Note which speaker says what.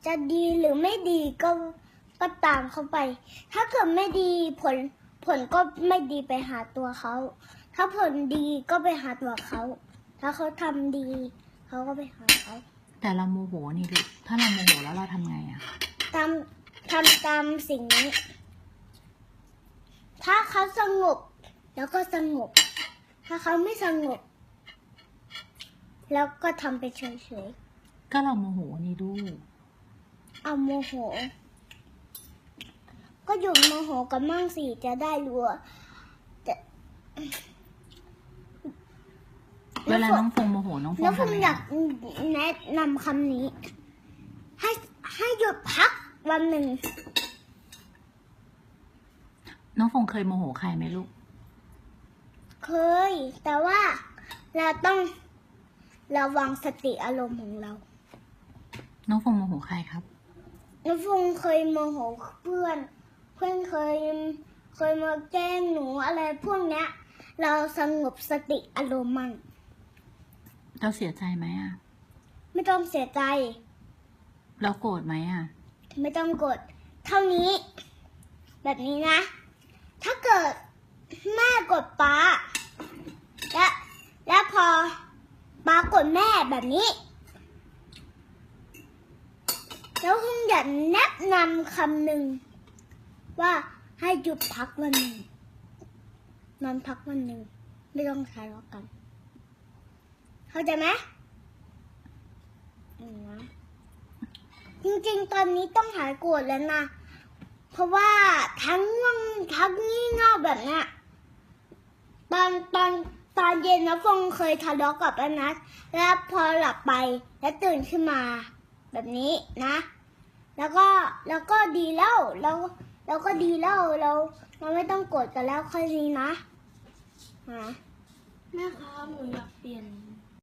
Speaker 1: จะดีหรือไม่ดีก็ตามเขาไป ถ้าเกิดไม่ดีผลก็ไม่ดีไปหาตัวเขา ถ้าผลดีก็ไปหาตัวเขา ถ้าเขาทำดีเขาก็ไปหาเขา
Speaker 2: แต่เราโมโหนี่ลูกถ้าเราโมโหแล้วเราทำไงอะ
Speaker 1: ทำตามสิ่งนี้ ถ้าเขาสงบแล้วก็สงบ ถ้าเขาไม่สงบ แล้วก็ทำไปเฉย
Speaker 2: ก็เราโมโหนี่ลูก
Speaker 1: ๆ เอาโมโห ก็หยุดโมโหกันมั่งสิจะได้รู้ว่าแต่
Speaker 2: เวลาน้องฟงโมโหน้องฟง
Speaker 1: แล้วผม
Speaker 2: ทำไง
Speaker 1: อยา
Speaker 2: อะ
Speaker 1: กแนะนำคำนี้ ให้หยุดพักวันหนึ่ง
Speaker 2: น้องฟงเคยโมโหใครไหมลูก
Speaker 1: เคย แต่ว่าเราต้องระวังสติอารมณ์ของเรา
Speaker 2: น้องฟงโมโหใครครับ
Speaker 1: น้องฟงเคยโมโหเพื่อนเคยมาแกล้งหนูอะไรพวกเนี้ย เราสงบสติอารมณ์มั่ง
Speaker 2: เราเสียใจไหมอะ
Speaker 1: ไม่ต้องเสียใจ
Speaker 2: เราโกรธไหมอะ
Speaker 1: ไม่ต้องกด เท่านี้ แบบนี้นะ ถ้าเกิดแม่กดป๊าและพอป๊ากดแม่แบบนี้ แล้วคุณอยากแนะนำคำหนึ่งว่าให้หยุดพักวันหนึ่งนอนพักวันหนึ่งไม่ต้องทะเลาะกัน เข้าใจไหมนะจริงๆ ตอนนี้ต้องหายโกรธแล้วนะ เพราะว่าทั้งง่วงทั้งงี่เง่าแบบเนี้ยตอนเย็นนะฟงเคยทะเลาะกับอนัทแล้วพอหลับไปแล้วตื่นขึ้นมาแบบนี้นะ แล้วก็ดีแล้วเราก็ดีแล้วเราไม่ต้องโกรธกันแล้วค่อยนี้นะ
Speaker 3: แม่ครับหนูอยากเปลี่ยน